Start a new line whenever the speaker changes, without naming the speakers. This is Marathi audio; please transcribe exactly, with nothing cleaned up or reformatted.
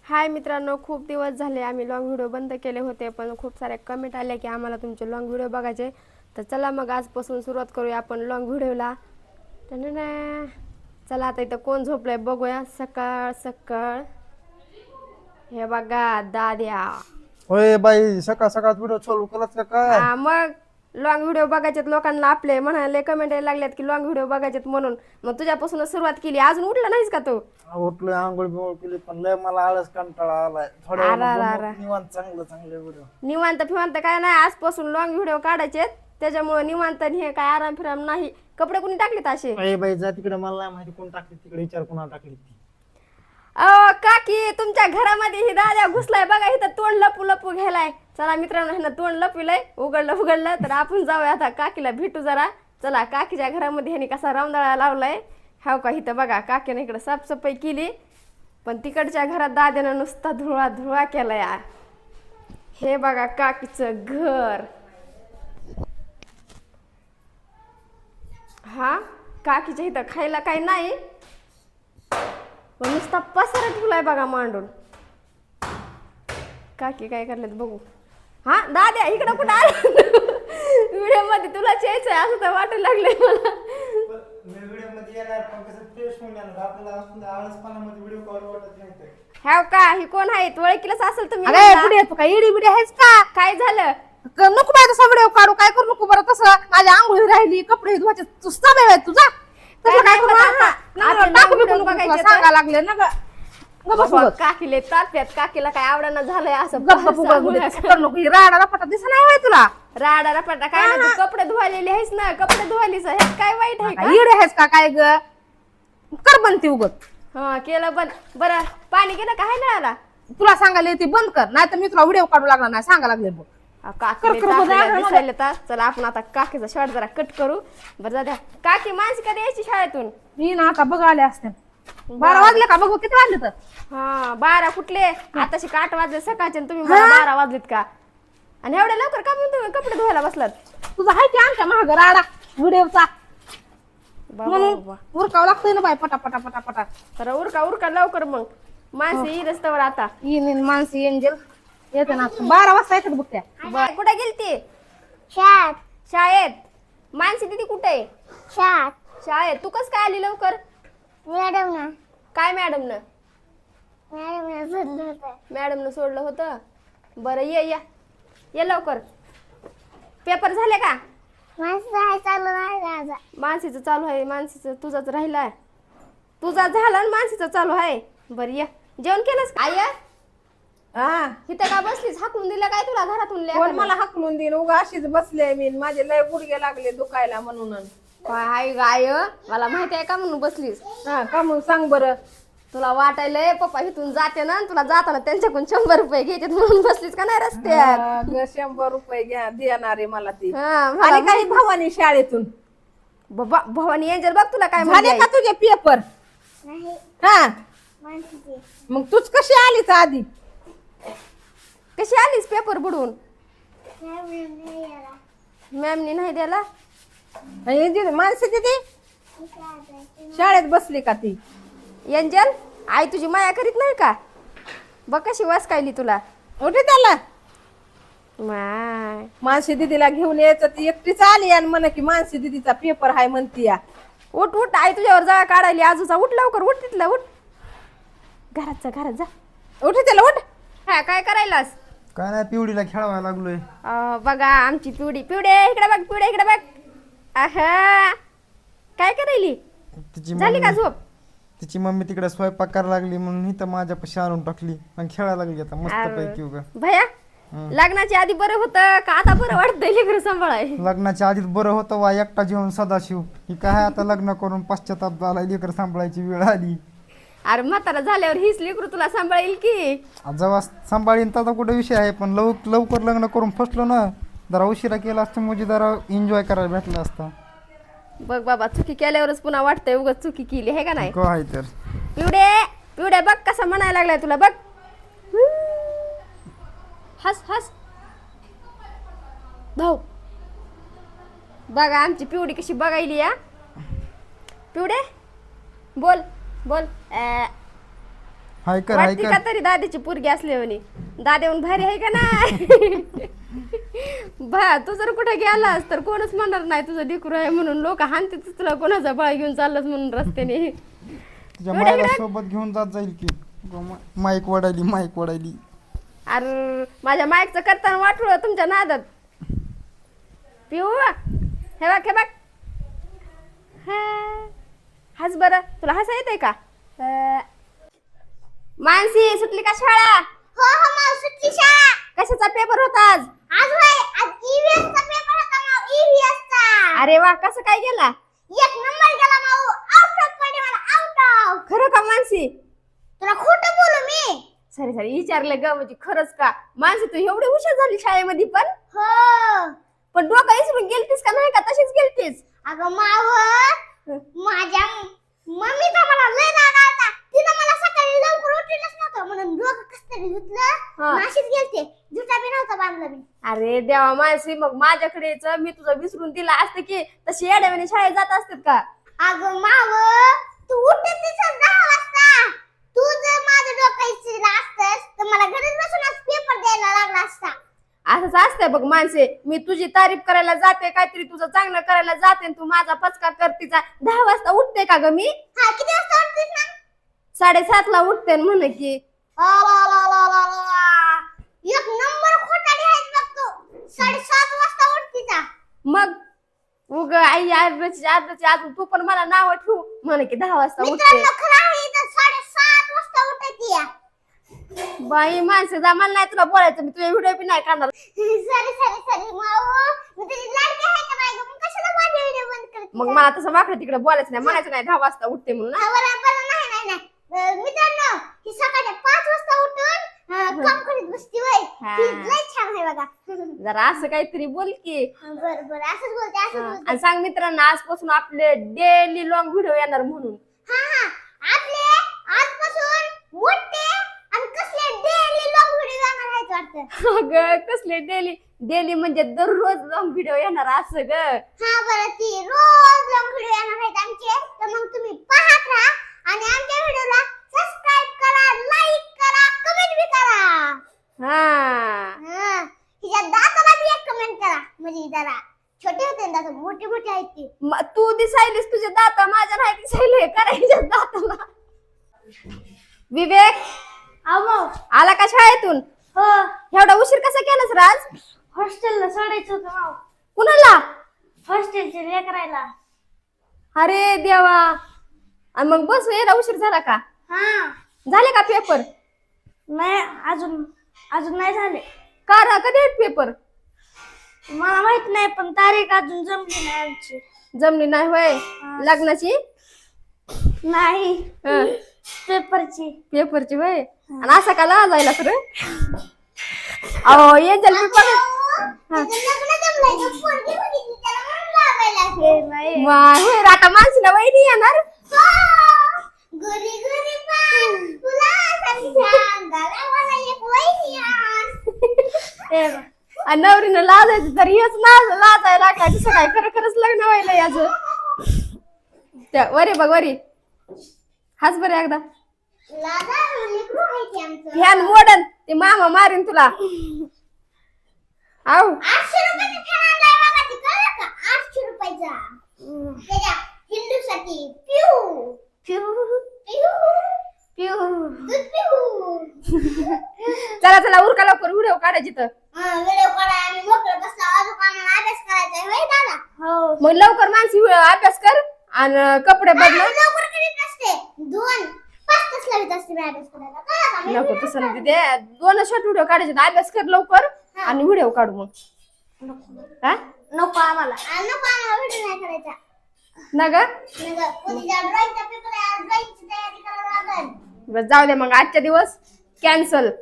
हाय मित्रांनो, खूप दिवस झाले आम्ही लॉंग व्हिडिओ बंद केले होते, पण खूप सारे कमेंट आले की आम्हाला तुमचे लॉंग व्हिडिओ बघायचे. तर चला मग आजपासून सुरुवात करूया आपण लॉंग व्हिडिओला. चला आता इथं कोण झोपलंय बघूया. सकाळ सकाळ हे बघा दाद्या.
होय बाई, सकाळ सकाळ व्हिडिओ चालू केलात का काय?
हा मग लॉंग व्हिडिओ बघायचेत लोकांना आपले म्हणाले कमेंट यायला लागल्यात की लॉंग व्हिडिओ बघायचेत म्हणून. मग तुझ्यापासूनच सुरुवात केली. अजून उठला नाहीस का तू?
उठलोय, आंघोळ बिंघोळ केली, पण लय मला आळस कंटाळा आलाय. थोड्या
आरा रा रा.
वेळानं निवांत चांगलं चांगले व्हिडिओ.
निवांत फिवांत काय नाही, आजपासून लॉंग व्हिडिओ काढायचे. त्याच्यामुळे निवांत आणि हे काय आराम फिराम नाही. कपडे कुणी टाकलेत असे?
अरे बाई जा तिकडे, मला नाही माहिती कोण टाकली तिकडे, विचार कोणा टाकली ती.
अहो काकी, तुमच्या घरामध्ये ही दाद्या घुसलाय बघा. इथं तोंड लपू लपू घ्यायलाय. चला मित्रांनो, ह्यानं तोंड लपविलंय, उघडलं उघडलं तर आपण जाऊया आता काकीला भेटू जरा. चला काकीच्या घरामध्ये ह्याने कसा रामदळा लावलाय हाव का. इथं बघा काकीने इकडे साफसफाई केली, पण तिकडच्या घरात दाद्यानं नुसता धुळा धुळा केला यार. हे बघा काकीचं घर. हा काकीच्या इथं खायला काही नाही, पण नुसता पसारा ठेवलाय बघा मांडून. काकी काय करलेत बघू. हा दाद्या इकडं कुठं आला? व्हिडिओ मध्ये तुला यायचंय असं तर वाटायला लागलंय मला.
मी व्हिडिओ मध्ये येणार, पण कसं फ्रेश होऊन येणार आपल्याला. असं आळसपणामध्ये व्हिडिओ कॉल वाटत नाही.
हाव का, ही कोण आहे? ओळखीलाच असेल तुम्ही.
अरे पुढे तू काय इडी बिडी आहेस का?
काय झालं?
क- नको बाय तसा व्हिडिओ काढू, काय करू नको बरं तसं. माझ्या आंघोळी राहिली, कपडे धुवायचे, तुझा वेळ आहे तुझा.
काय
तसं काय
नाही
करू?
होत आता.
हा,
आता
नाही, टाकू
video
बिकू नको,
बघायचे
तुला
तर.
सांगा लागले ना ग. ग बस
बाबा,
उगाच.
काकीले तात्यात काकीला काय आवडणं झालंय असं.
गप्प गप्प उगाच बोलते. तसं करू नको. ही राडा रपाटा दिसत नाही होय तुला?
राडा रपाटा काय नाही, तू कपडे धुवालेले आहेस ना, कपडे धुवालीस ह्यात काय वाईट आहे का?
इडी आहेस का काय ग? कर बनती उगत.
हा केलं बंद. बरं पाणी गेलं का? हाय नळाला?
तुला सांगायला येते बंद कर, नाही तर मी तुला व्हिडिओ काढू लागला नाही, सांगा लागले बघ.
काकीले
कर, कर, बघ,
तात्याला
बघ,
दिसायला तर. चला आपण आता काकीचा शॉट जरा कट करू. बरं जाऊ काकी, माणसं कधी यायची शाळेतून?
मी ना आता बघ आले असते. बारा वाजले का बघू, किती वाजले तर?
हा बारा कुठले? आताशी आठ वाजले सकाळचे आणि तुम्ही मला बारा वाजलेत का? आणि एवढ्या लवकर का म्हणून तुम्ही कपडे धुवायला बसलात?
तुझा आहे की आमच्या महाग राडा व्हिडिओचा,
बाबा
म्हणून
बाबा.
उरकावं लागतंय ना बाय पटा पटा पटा पटा.
तर उरका उरका लवकर मग. माणसं येई रस्त्यावर आता.
येईन माणसी एंजल येते ना, बारा वाजता येतात बघ त्या.
बरं, कुठे गेलती?
शाळेत
शाळेत. मानसी दिदी कुठे आहे?
शाळेत
शाळेत. तू कस काय आली लवकर?
मॅडम ना
काय मॅडम न
मॅडम ना सोडलं होतं.
मॅडम न सोडलं होतं? बरं ये या ये लवकर. पेपर झाले का?
माणसं आहे चालू नाही माझा.
मानसीचं चालू आहे. मानसीचं तुझाच राहिलाय. तुझा झाला आणि मानसीचं चालू आहे. बरं या. जेवण केलंस का? आय
हा
इथं का बसलीस? हाकलून दिलं काय तुला घरातून?
कोण
लेकरं?
मला हाकलून देईन, उगा अशीच बसले मी, माझे लय गुडघे लागले दुखायला म्हणून.
काय हाय गाय, मला माहिती आहे का म्हणून बसलीस?
हा का म्हणून सांग बरं.
तुला वाटायलंय पप्पा इथून जाते ना, तुला जाताना त्यांच्याकडून शंभर रुपये घ्यायचे म्हणून बसलीस का नाही रस्त्यात?
हा, ग, शंभर रुपये घ्या देणार आहे मला ती.
हा, मला
आणि काही भावानी शाळेतून
बाबा भवानी एंजल बघ तुला काय
झाले
म्हणते
का तुझे पेपर?
नाही
हा
माणसाची
मग तूच कशी आलीच आधी?
कशी आलीस पेपर बुडवून?
मॅडम नाही यायला.
मॅमनी नाही द्याला?
आणि जी माणसं तिथे
मी शाळेत आहे.
शाळेत बसली का ती?
एंजल आई तुझी माया करीत नाही का? बघ कशी वासकायली तुला.
उठे त्याला
माय
मानसी दिदीला घेऊन यायचं, ती एकटीच आली आणि म्हण की मानसी दिदीचा पेपर आहे म्हणती या.
उठ उठ, आई तुझ्यावर जा काढायली आजूचा. उठ लवकर, उठ तिथला उठ. घरात जा घरात जा.
उठे त्याला उठ.
हा काय करायलास?
काय नाही, पिवडीला खेळवायला लागलोय.
अं, बघा आमची पिवडी. पिवडे इकडे बघ, पिवडे इकडे बघ. आहा काय करायली?
तिची
झाली का
मम्मी
झोप?
तिची मम्मी तिकडे स्वयंपाक करायला लागली म्हणून इथं माझ्यापाशी आणून टाकली आणि खेळायला लागली आता मस्त
अरे.
पैकी उगा.
भया लग्नाच्या आधी बरं होतं का आता बरं वाटतंय लेकरं सांभाळाय?
लग्नाच्या आधीच बरं होतं वा, एकटा जीवन सदाशिव. ही काय आता लग्न करून पश्चाताप झाला, लेकर सांभाळायची वेळ आली.
अरे म्हातारा झाल्यावर हीच लेकरू तुला सांभाळेल की.
जेव्हा सांभाळीन त्याचा कुठे विषय आहे, पण लव लवकर लग्न करून फसलो ना, जरा उशिरा केला असतं म्हणजे जरा एन्जॉय करायला भेटला असता.
बघ बाबा, चुकी केल्यावरच पुन्हा वाटतंय उगाच चुकी केली आहे का नाही?
काय तर
पिवडे पिवडे बघ कसा म्हणायला लागलाय तुला. बघ हस हस भाऊ. बघा आमची पिवडी कशी बघायली या. पिवडे बोल बोल. अ,
हाय कर हाय
वाटते
कर
का तरी दादीची पोरगी असली म्हणे दादेऊन भारी आहे का नाही भा तू जर कुठे गेलास तर कोणच म्हणणार नाही तुझं डिकरू आहे म्हणून लोक हानते तुला कोणाचा बाळ घेऊन चाललास म्हणून रस्त्याने
तुझ्या मायला सोबत घेऊन जात जाईल की माईक वडायली माईक वडायली.
अरे माझ्या माईकचं करताना वाटलं तुमच्या नादात पिऊ हे बघ हे बघ हा. हस बरं तुला हसा येतंय का अं, मानसी सुटली का शाळा
हो हो माऊ सुटली शाळा.
कशाचा पेपर होता आज
आज होय आज ईव्हीएस चा पेपर होता माऊ ईव्हीएस चा.
अरे वा कसं काय गेला
एक नंबर गेला माऊ आउट ऑफ पडे मला आउट ऑफ.
खरं का मानसी
तुला खोटं बोलू मी.
सरी सरी विचारलं ग म्हणजे खरंच का मानसी तू एवढी हुशार झाली शाळेमध्ये पण
हो
पण डोका इसरून गेलतीस का नाही का तशीच गेलतीस
अगं माव माझ्या मम्मीचा मला लय राग आलता. तिनं मला सकाळी लवकर उठवलंच नव्हतं म्हणून डोकं कसं तरी धुतलं
हा.
नाशीच गेलते जुटा बी नव्हता बांधला मी.
अरे देवा मानसी मग माझ्याकडे यायचं, मी तुझं विसरून दिला असतं की तशी येड्यावानी शाळेत जात असतात का
अगं माव तू उठत दिसत दहा वाजता. तू जर माझं डोकं इचरलं असतंस तर मला घरीच बसूनच पेपर द्यायला लागला असता.
असंच असतंय बघ माणसे मी तुझी तारीफ करायला जाते काहीतरी तुझं चांगलं करायला जाते आणि तू माझा पचका करतीचा दहा वाजता उठते का ग मी
हा किती वाजता उठतेस ना.
साडेसात ला उठते म्हण की
आ, ला, ला, ला, ला, ला. एक नंबर खोटाडी आहेस बघ तू. साडेसात वाजता उठतीचा.
मग उग आई आजची आजची अजून तू पण मला नाव ठेवू म्हण की दहा वाजता उठते
मित्रांनो खरं आहे इथं साडेसात वाजता उठायची या.
बाई माणसं जा मला नाही तुला बोलायचं मी तुझे व्हिडिओ बी नाही करणार
सॉरी सॉरी सॉरी माऊ मी तुझी लाडकी आहे का नाही गं? मग कशाला माझे व्हिडिओ बंद करते.
मग मला तसं वाकडं तिकडे बोलायचं नाही म्हणायचं नाही दहा वाजता उठते म्हणून
हा, बरं बरं नाही नाही नाही अं, मित्रांनो ही सकाळी पाच वाजता उठून अं, काम करीत बसती वय
हा.
ही लय छान आहे बघा.
जरा असं काहीतरी बोल की
बरं बरं असंच बोलते असंच
हा.
बोलते.
आणि सांग मित्रांना आजपासून आपले डेली लॉंग व्हिडिओ येणार म्हणून
हा हा आपले आजपासून मोठे आणि कसले डेली लॉंग व्हिडिओ येणार आहेत वाटतं.
अगं कसले डेली डेली म्हणजे दररोज लॉंग व्हिडिओ येणार असं ग
हा बरं ती रोज लॉंग व्हिडिओ येणार आहेत आमचे तर मग तुम्ही पाहत राहा आणि आमच्या व्हिडिओला सबस्क्राइब करा लाईक करा कमेंट बी करा.
हा
हा हिच्या दाताला बी एक कमेंट करा म्हणजे जरा छोटे होते ना दात मोठे मोठे आहेत ती.
म- तू दिसायलीस तुझे दात माझ्या नाही दिसायले करायच्या दाताला विवेक
अहो
आला का शाळेतून
हो
एवढा उशीर कसा केलास राज
हॉस्टेलला सोडायचं होतं माव.
कुणाला
हॉस्टेलचे लेकरायला.
अरे देवा आणि मग बस यायला उशीर झाला का
हा
झाले का पेपर
नाही अजून अजून नाही झाले.
का रा कधी आहेत पेपर
मला माहित नाही पण तारीख अजून जमली नाही आमची.
जमली नाही होय लग्नाची
नाही
हं.
पेपरची.
पेपरची होय आणि असा का ला जायला तर अहो येंजल पेपर
हे नाही
वाह होय रे, आता माणसाला वहिनी येणार
घरी घरी पान फुलासारख्या अंगाला मला एक वहिनी आण.
आणि नवरीनं लाजायचं तर हेच लाज लाजायला काय दुसरं काय खरं खरंच लग्न व्हायला याचं त्या वरी बघ वरी हाच बरं एकदा
लाजा लेकरू आहे ते आमचं.
फॅन मोडन ते मामा मारीन तुला आऊ
आठशे रुपयाचा फॅन आणलाय बघा ते कळलं का आठशे रुपयाचा त्याच्या हिंदूसाठी पिऊ पिऊ पिऊ पिऊ दूध पिऊ.
चला चला उरका लवकर व्हिडिओ काढायची तर
हा व्हिडिओ काढा आम्ही मोकळं बसला अजून आम्हाला अभ्यास करायचा आहे होय दादा. हो
मग लवकर माणसी अभ्यास कर आणि कपडे बदल
लवकर करीत नसते दोन पाच तास लागत असते मी अभ्यास करायला कळलं का? मी
नको तसं नाही ते दोन शॉर्ट व्हिडिओ काढायचे अभ्यास कर लवकर आणि व्हिडिओ काढू मग हा
नको आम्हाला आ, नको आम्हाला व्हिडिओ नाही करायचा.
ना ग
नग उद्या ड्रॉइंगचा पेपर आहे ड्रॉइंगची तयारी करायला लागेल.
बस जाऊ दे मग आजच्या दिवस कॅन्सल